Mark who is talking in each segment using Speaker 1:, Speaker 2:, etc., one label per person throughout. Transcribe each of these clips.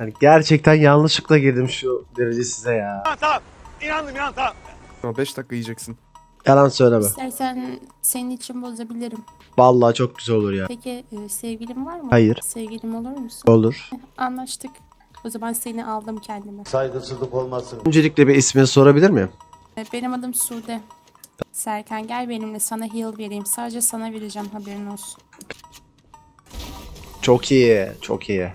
Speaker 1: Hani gerçekten yanlışlıkla girdim şu derece size ya.
Speaker 2: Tamam. İnandım tamam.
Speaker 3: Ama 5 dakika yiyeceksin.
Speaker 1: Yalan söyleme.
Speaker 4: İstersen senin için bozabilirim.
Speaker 1: Vallahi çok güzel olur ya.
Speaker 4: Peki sevgilin var mı?
Speaker 1: Hayır.
Speaker 4: Sevgilim olur musun?
Speaker 1: Olur.
Speaker 4: Anlaştık. O zaman seni aldım kendime.
Speaker 2: Saygısızlık olmasın.
Speaker 1: Öncelikle bir ismini sorabilir miyim?
Speaker 4: Benim adım Sude. Serkan gel benimle sana heal vereyim. Sadece sana vereceğim haberin olsun.
Speaker 1: Çok iyi. Çok iyi.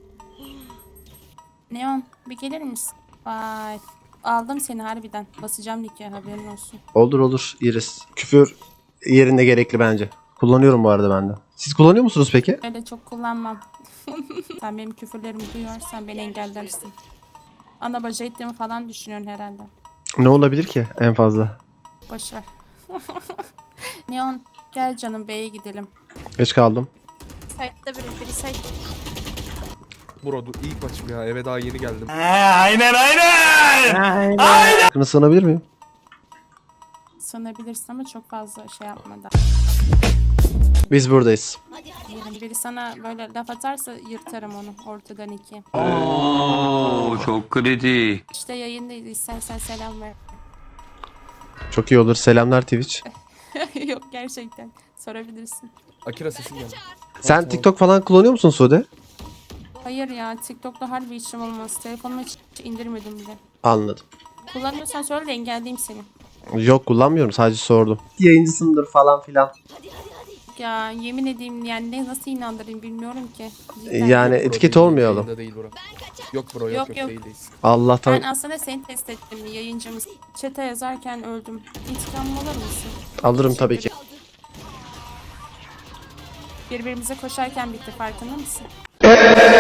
Speaker 4: Neon bir gelir misin? Vay. Aldım seni harbiden. Basacağım dike haberin olsun.
Speaker 1: Olur olur Iris. Küfür yerinde gerekli bence. Kullanıyorum bu arada ben de. Siz kullanıyor musunuz peki?
Speaker 4: Öyle çok kullanmam. Sen benim küfürlerimi duyuyorsan beni engellersin. Ana baca ettiğimi falan düşünüyorsun herhalde.
Speaker 1: Ne olabilir ki en fazla?
Speaker 4: Boşver. Neon gel canım B'ye gidelim.
Speaker 1: Geç kaldım.
Speaker 4: Site'da biri site.
Speaker 3: Bro dur ilk maçım ya, eve daha yeni geldim.
Speaker 1: Hakkını sığınabilir miyim?
Speaker 4: Sanabilirsin ama çok fazla şey yapmadan.
Speaker 1: Biz buradayız.
Speaker 4: Yani biri sana böyle laf atarsa yırtarım onu ortadan iki.
Speaker 5: Oo, çok kritik.
Speaker 4: İşte yayındayız istersen selam ver.
Speaker 1: Çok iyi olur. Selamlar Twitch.
Speaker 4: Yok gerçekten sorabilirsin.
Speaker 3: Akira sesin geldi.
Speaker 1: Sen TikTok falan kullanıyor musun Sude?
Speaker 4: Hayır ya TikTok'ta harbi işim olmaz. Telefonuma hiç indirmedim bile.
Speaker 1: Anladım.
Speaker 4: Kullanıyorsan söyle de engelleyeyim seni.
Speaker 1: Yok kullanmıyorum sadece sordum. Yayıncısındır falan filan.
Speaker 4: Ya yemin edeyim yani nasıl inandırayım bilmiyorum ki. Cidden.
Speaker 1: Yani
Speaker 3: Bro,
Speaker 1: etiket
Speaker 3: değil,
Speaker 1: olmayalım.
Speaker 3: yayında değil bro. Yok bro
Speaker 4: Yok,
Speaker 3: yok
Speaker 4: yok.
Speaker 3: değildeyiz.
Speaker 1: Allah'tan
Speaker 4: Ben aslında seni test ettim yayıncımız. Chat'e yazarken öldüm. İntikamım alır mısın?
Speaker 1: alırım tabii ki.
Speaker 4: Birbirimize koşarken bitti farkında mısın?